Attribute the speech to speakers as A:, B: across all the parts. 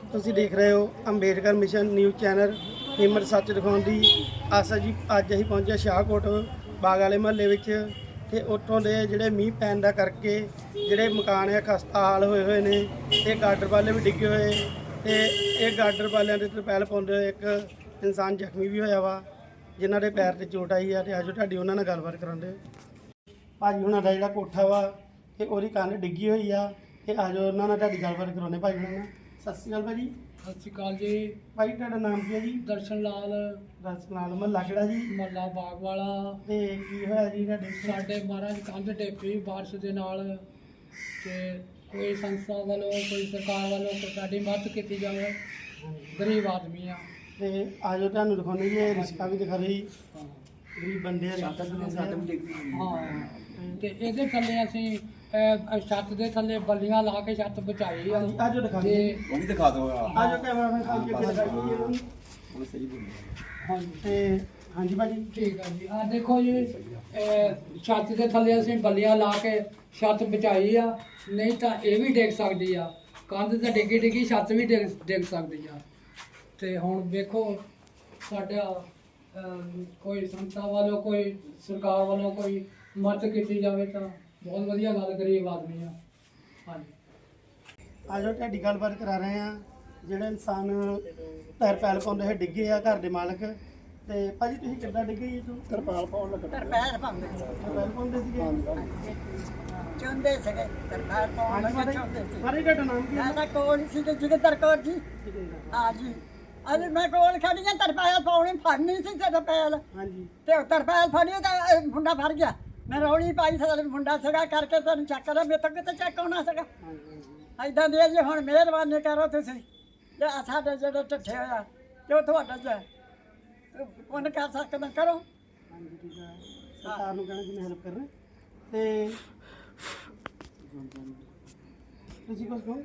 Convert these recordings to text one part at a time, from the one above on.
A: ਤੁਸੀਂ ਦੇਖ ਰਹੇ ਹੋ ਅੰਬੇਡਕਰ ਮਿਸ਼ਨ ਨਿਊਜ਼ ਚੈਨਲ। ਹਿੰਮਤ ਸੱਚ ਦਿਖਾਉਣ ਦੀ ਆਸਾ ਜੀ। ਅੱਜ ਅਸੀਂ ਪਹੁੰਚੇ ਸ਼ਾਹਕੋਟ ਬਾਗ ਵਾਲੇ ਮਹੱਲੇ ਵਿੱਚ ਤੇ ਉੱਥੋਂ ਦੇ ਜਿਹੜੇ ਮੀਂਹ ਪੈਣ ਦਾ ਕਰਕੇ ਜਿਹੜੇ ਮਕਾਨ ਹੈ ਖਸਤਾ ਹਾਲ ਹੋਏ ਨੇ ਤੇ ਗਾਡਰ ਵਾਲੇ ਵੀ ਡਿੱਗੇ ਹੋਏ ਤੇ ਇਹ ਗਾਡਰ ਵਾਲਿਆਂ ਦੇ ਤਰਪੈਲ ਪਾਉਂਦੇ ਹੋਏ ਇੱਕ ਇਨਸਾਨ ਜ਼ਖਮੀ ਵੀ ਹੋਇਆ ਵਾ, ਜਿਨ੍ਹਾਂ ਦੇ ਪੈਰ ਤੇ ਚੋਟ ਆਈ ਆ। ਤੇ ਆਜੋ ਤੁਹਾਡੀ ਉਹਨਾਂ ਨਾਲ ਗੱਲਬਾਤ ਕਰਾਉਂਦੇ। ਭਾਜੀ ਉਹਨਾਂ ਦਾ ਜਿਹੜਾ ਕੋਠਾ ਵਾ ਤੇ ਉਹਦੀ ਕੰਨ ਡਿੱਗੀ ਹੋਈ ਆ ਤੇ ਆਜੋ ਉਹਨਾਂ ਨਾਲ ਤੁਹਾਡੀ ਗੱਲਬਾਤ ਕਰਾਉਂਦੇ। ਭਾਜੀ ਉਹਨਾਂ ਨਾਲ ਸਤਿ ਸ਼੍ਰੀ ਅਕਾਲ ਭਾਜੀ।
B: ਸਤਿ ਸ਼੍ਰੀ ਅਕਾਲ ਜੀ।
A: ਭਾਈ ਤੁਹਾਡਾ ਨਾਮ ਕੀ ਹੈ ਜੀ?
B: ਦਰਸ਼ਨ ਲਾਲ,
A: ਮਹੱਲਾ ਕਿਹੜਾ ਜੀ?
B: ਮਹੱਲਾ ਬਾਗ ਵਾਲਾ।
A: ਤੇ ਕੀ ਹੋਇਆ ਜੀ ਤੁਹਾਡੇ?
B: ਸਾਡੇ ਮਹਾਰਾਜ ਕੰਧ ਡੇਪੀ ਬਾਰਿਸ਼ ਦੇ ਨਾਲ ਤੇ ਕੋਈ ਸੰਸਥਾ ਵੱਲੋਂ ਕੋਈ ਸਰਕਾਰ ਵੱਲੋਂ ਕੋਈ ਸਾਡੀ ਮਦਦ ਕੀਤੀ ਜਾਵੇ। ਗਰੀਬ ਆਦਮੀ ਆ
A: ਤੇ ਆਜੋ ਤੁਹਾਨੂੰ ਦਿਖਾਉਂਦੇ ਜੀ। ਇਹ ਰਿਸ਼ਕਾ ਵੀ ਦਿਖਾ ਰਹੀ
B: ਹਾਂ।
A: ਗਰੀਬ ਬੰਦੇ ਆ।
B: ਹਾਂ ਤੇ ਇਹਦੇ ਥੱਲੇ ਅਸੀਂ ਛੱਤ ਦੇ ਥੱਲੇ ਬੱਲੀਆਂ ਲਾ ਕੇ ਛੱਤ ਬਚਾਈ ਆ।
A: ਆਜੋ ਦਿਖਾ
B: ਤੇ
A: ਦਿਓ।
C: ਉਹ ਵੀ ਦਿਖਾ ਦਿਓ।
A: ਆਜੋ ਕੈਮਰਾਮੈਨ ਸਾਹਿਬ ਜੀ ਅੱਗੇ ਦਿਖਾਈਏ ਜੀ ਇਹਨਾਂ ਨੂੰ।
C: ਉਹ ਸਹੀ ਬੋਲ
B: ਹਾਂਜੀ
A: ਤੇ ਹਾਂਜੀ ਭਾਜੀ।
B: ਠੀਕ ਆ ਜੀ। ਆ ਦੇਖੋ ਜੀ, ਛੱਤ ਦੇ ਥੱਲੇ ਅਸੀਂ ਬੱਲੀਆਂ ਲਾ ਕੇ ਛੱਤ ਬਚਾਈ ਆ, ਨਹੀਂ ਤਾਂ ਇਹ ਵੀ ਡਿੱਗ ਸਕਦੀ ਆ। ਕੰਧ ਤਾਂ ਡਿੱਗੀ ਛੱਤ ਵੀ ਡਿੱਗ ਸਕਦੀ ਆ। ਤੇ ਹੁਣ ਵੇਖੋ ਸਾਡਾ ਕੋਈ ਸੰਸਥਾ ਵੱਲੋਂ ਕੋਈ ਸਰਕਾਰ ਵੱਲੋਂ ਕੋਈ ਮਦਦ ਕੀਤੀ ਜਾਵੇ ਤਾਂ ਬਹੁਤ ਵਧੀਆ ਗੱਲ। ਗਰੀਬ ਆਦਮੀ ਆ। ਹਾਂਜੀ
A: ਆਜੋ ਤੁਹਾਡੀ ਗੱਲਬਾਤ ਕਰਾ ਰਹੇ ਆ। ਜਿਹੜੇ ਇਨਸਾਨ ਤਰਪੈਲ ਪਾਉਂਦੇ ਹੋਏ ਡਿੱਗੇ ਆ, ਘਰ ਦੇ ਮਾਲਕ। ਤੇ ਭਾਜੀ ਤੁਸੀਂ ਕਿੱਦਾਂ ਡਿੱਗੇ ਜੀ? ਤਰਪੈਲ ਪਾਉਣ ਲੱਗਾ।
D: ਤਰਪੈਲ ਪਾਉਂਦੇ ਸੀ,
A: ਤਰਪੈਲ ਪਾਉਂਦੇ ਸੀਗੇ?
D: ਚੁੰਦੇ ਸੀਗੇ, ਤਰਪੈਲ ਪਾਉਣ ਲੱਗੇ ਚੁੰਦੇ ਸੀ।
A: ਭਾਜੀ ਤੁਹਾਡਾ ਨਾਮ ਕੀ ਹੈ?
D: ਮੈਂ ਤਾਂ ਕੋਲ ਸੀ ਤੇ ਜਗਦਰ ਕੌਰ ਜੀ। ਹਾਂ ਜੀ। ਅੱਜ ਮੈਂ ਕੋਲ ਖੜੀ ਆ, ਤਰਪੈਲ ਪਾਉਣੀ ਫੜਨੀ ਸੀ ਤੇ ਤਰਪੈਲ।
A: ਹਾਂਜੀ।
D: ਤੇ ਉਹ ਤਰਪੈਲ ਫੜੀ ਤਾਂ ਇਹ ਮੁੰਡਾ ਫੜ ਗਿਆ। ਮੈਂ ਰੌਲੀ ਪਾਈ ਤੇ ਮੁੰਡਾ ਸੀਗਾ ਕਰਕੇ ਤੈਨੂੰ ਚੱਕ ਲਿਆ। ਮੇਰੇ ਤੋਂ ਕਿਤੇ ਚੱਕ ਆਉਣਾ ਸੀਗਾ। ਏਦਾਂ ਦੇ ਜੀ ਹੁਣ ਮਿਹਰਬਾਨੀ ਕਰੋ ਤੁਸੀਂ ਜੇ ਸਾਡੇ ਜਿਹੜੇ ਢੱਠੇ ਹੋਇਆ ਜੋ ਤੁਹਾਡਾ ਜੇ ਪੁੰਨ ਕਰ ਸਕਦਾ ਕਰੋ।
A: ਹਾਂਜੀ ਠੀਕ ਹੈ। ਸਰਕਾਰ ਨੂੰ ਕਹਿਣਾ ਕਿ ਮੈਂ ਹੈਲਪ ਕਰਨਾ। ਤੇ ਤੁਸੀਂ ਕੁਝ ਕਹੋ?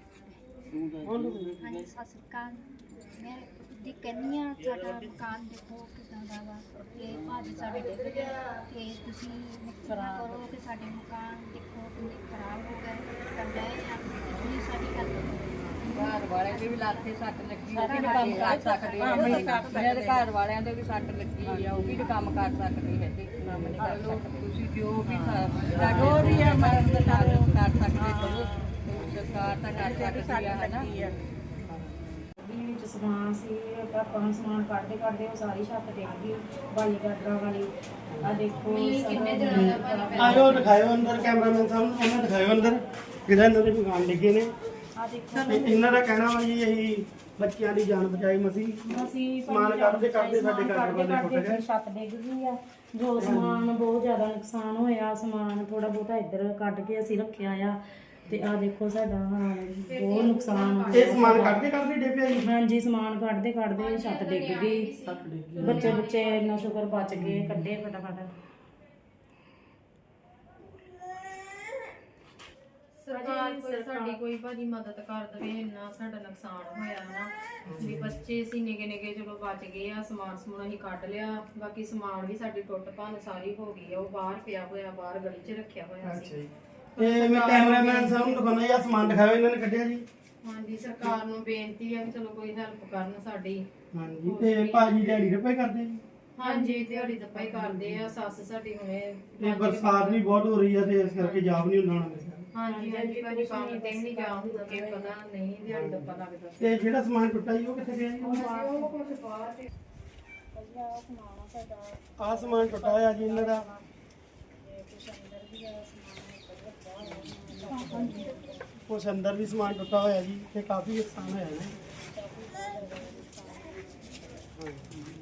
E: ਹਾਂਜੀ ਸਤਿ ਸ਼੍ਰੀ ਅਕਾਲ। ਮੈਂ ਦੀ ਕਹਿੰਦੀ ਹਾਂ ਸਾਡਾ ਮਕਾਨ ਦੇਖੋ ਕਿੱਦਾਂ ਦਾ ਵਾ ਤੇ ਭਾਜੀ ਸਾਡੇ ਡਿੱਗ ਗਏ ਤੇ ਤੁਸੀਂ ਖਰਾਬ ਕਰੋ ਕਿ ਸਾਡੇ ਮਕਾਨ ਦੇਖੋ ਕਿੰਨੇ ਖਰਾਬ ਹੋ ਗਏ ਤਾਂ ਲੈ ਜਾਂ ਤੁਸੀਂ ਸਾਡੀ ਹੈਲਪ ਕਰੋ।
F: ਘਰ ਵਾਲਿਆਂ ਦੇ ਵੀ ਲਾਥੇ ਸੱਟ ਲੱਗੀ, ਉਹ ਵੀ ਨੀ ਕੰਮ ਕਰ ਸਕਦੇ। ਮੇਰੇ ਘਰ ਵਾਲਿਆਂ ਦੇ ਵੀ ਸੱਟ ਲੱਗੀ ਆ, ਉਹ ਵੀ ਨੀ ਕੰਮ ਕਰ ਸਕਦੇ ਹੈਗੇ। ਕੰਮ ਨਹੀਂ ਕਰ ਸਕਦੇ। ਤੁਸੀਂ ਜੋ ਵੀ ਜੋ ਵੀ ਆ ਮਦਦ ਕਰ ਸਕਦੇ ਕਰੋ। ਸਰਕਾਰ ਤਾਂ ਕਰ ਸਕਦੀ ਆ ਹਨਾ।
G: ਵਿੱਚ ਸਮਾਨ ਸੀ, ਆਪਾਂ ਨੂੰ ਸਮਾਨ ਕੱਢਦੇ ਉਹ ਸਾਰੀ ਛੱਤ ਡਿੱਗ ਗਈ ਬਾਲੀ ਗਾਡਰਾਂ ਵਾਲੀ। ਆ ਦੇਖੋ
E: ਕਿੰਨੇ ਦਿਨਾਂ ਦਾ
A: ਆਜੋ ਦਿਖਾਇਓ ਅੰਦਰ। ਕੈਮਰਾਮੈਨ ਸਾਹਿਬ ਨੂੰ ਉਹਨਾਂ ਦਿਖਾਇਓ ਅੰਦਰ ਜਿਹੜਾ ਇਹਨਾਂ ਦੇ ਮਕਾਨ ਡਿੱਗੇ ਨੇ।
G: ਆ ਦੇਖੋ
A: ਤੇ ਇਹਨਾਂ ਦਾ ਕਹਿਣਾ ਵਾ ਜੀ ਅਸੀਂ ਬੱਚਿਆਂ ਦੀ ਜਾਨ ਬਚਾਈ ਮਸੀਂ
G: ਅਸੀਂ
A: ਸਮਾਨ ਕੱਢਦੇ ਸਾਡੇ ਗਾਡਰ ਵਾਲੇ ਟੁੱਟ ਗਏ।
G: ਛੱਤ ਡਿੱਗ ਗਈ ਆ। ਜੋ ਸਮਾਨ ਬਹੁਤ ਜ਼ਿਆਦਾ ਨੁਕਸਾਨ ਹੋਇਆ। ਸਮਾਨ ਥੋੜਾ ਬਹੁਤਾ ਇੱਧਰ ਕੱਢ ਕੇ ਅਸੀਂ ਰੱਖਿਆ ਆ। ਤੇ ਆ ਦੇਖੋ ਸਾਡਾ ਹਾਲ ਬਹੁਤ ਨੁਕਸਾਨ ਹੋ
A: ਇਹ ਸਮਾਨ ਕੱਢਦੇ ਡਿੱਪਿਆ ਜੀ?
G: ਹਾਂਜੀ ਸਮਾਨ ਕੱਢਦੇ ਛੱਤ ਡਿੱਗ ਗਈ। ਬੱਚੇ ਇੰਨਾ ਸ਼ੁਕਰ ਬਚ ਗਏ, ਕੱਢੇ ਫਟਾਫਟ।
H: ਸਰਕਾਰ ਸਾਡੀ ਕੋਈ ਭਾਜੀ ਮਦਦ ਕਰ ਦੇਵੇ। ਇੰਨਾ ਸਾਡਾ ਨੁਕਸਾਨ ਹੋਇਆ ਨਾ ਵੀ ਬੱਚੇ ਸੀ ਨਿੱਕੇ ਚਲੋ ਬਚ ਗਏ ਆ। ਸਮਾਨ ਸਮੂਨ ਅਸੀਂ ਕੱਢ ਲਿਆ, ਬਾਕੀ ਸਮਾਨ ਵੀ ਸਾਡੀ ਟੁੱਟ ਭੰਨ ਸਾਰੀ ਹੋ ਗਈ ਆ। ਉਹ ਬਾਹਰ ਪਿਆ ਹੋਇਆ, ਬਾਹਰ ਗਲੀ 'ਚ ਰੱਖਿਆ ਹੋਇਆ ਸੀ।
A: ਤੇ ਮੈਂ ਕੈਮਰਾਮੈਨ ਸਾਹਿਬ ਨੂੰ ਦਿਖਾਉਣਾ ਜਾਂ ਸਮਾਨ ਦਿਖਾਓ ਇਹਨਾਂ ਨੇ ਕੱਢਿਆ ਜੀ।
H: ਹਾਂਜੀ ਸਰਕਾਰ ਨੂੰ ਬੇਨਤੀ ਹੈ ਕਿ ਚਲੋ ਕੋਈ ਹੈਲਪ ਕਰਨ ਸਾਡੀ।
A: ਹਾਂਜੀ। ਤੇ ਭਾਜੀ ਦਿਹਾੜੀ ਰੁਪਏ ਕਰਦੇ ਜੀ?
H: ਹਾਂਜੀ ਦਿਹਾੜੀ ਦੱਪਾ ਹੀ ਕਰਦੇ ਆ। ਸੱਸ ਸਾਡੀ ਹੁਣੇ
A: ਤੇ ਬਰਸਾਤ ਵੀ ਬਹੁਤ ਹੋ ਰਹੀ ਆ ਤੇ ਇਸ ਕਰਕੇ ਜਾਬ ਨਹੀਂ ਹੁੰਦਾ ਹੋਣਾ ਮੇਰੇ ਖਿਆਲ।
H: ਹਾਂਜੀ ਭਾਜੀ ਕੰਮ ਤੇ ਵੀ ਨਹੀਂ ਜਾ ਹੁੰਦਾ ਕਿ ਪਤਾ ਨਹੀਂ ਦਿਹਾੜੀ ਦੱਪਾ ਲੱਗਦਾ।
A: ਤੇ ਜਿਹੜਾ ਸਮਾਨ ਟੁੱਟਾ ਜੀ ਉਹ ਕਿੱਥੇ ਗਿਆ ਜੀ?
H: ਉਹ ਕੁਝ ਬਾਹਰ ਤੇ
A: ਆਹ ਸਮਾਨ ਟੁੱਟਾ ਹੋਇਆ ਜੀ ਇਹਨਾਂ ਦਾ। ਕੁਛ ਅੰਦਰ ਵੀ ਸਮਾਨ ਟੁੱਟਾ ਹੋਇਆ ਜੀ ਤੇ ਕਾਫੀ ਨੁਕਸਾਨ ਹੋਇਆ ਜੀ।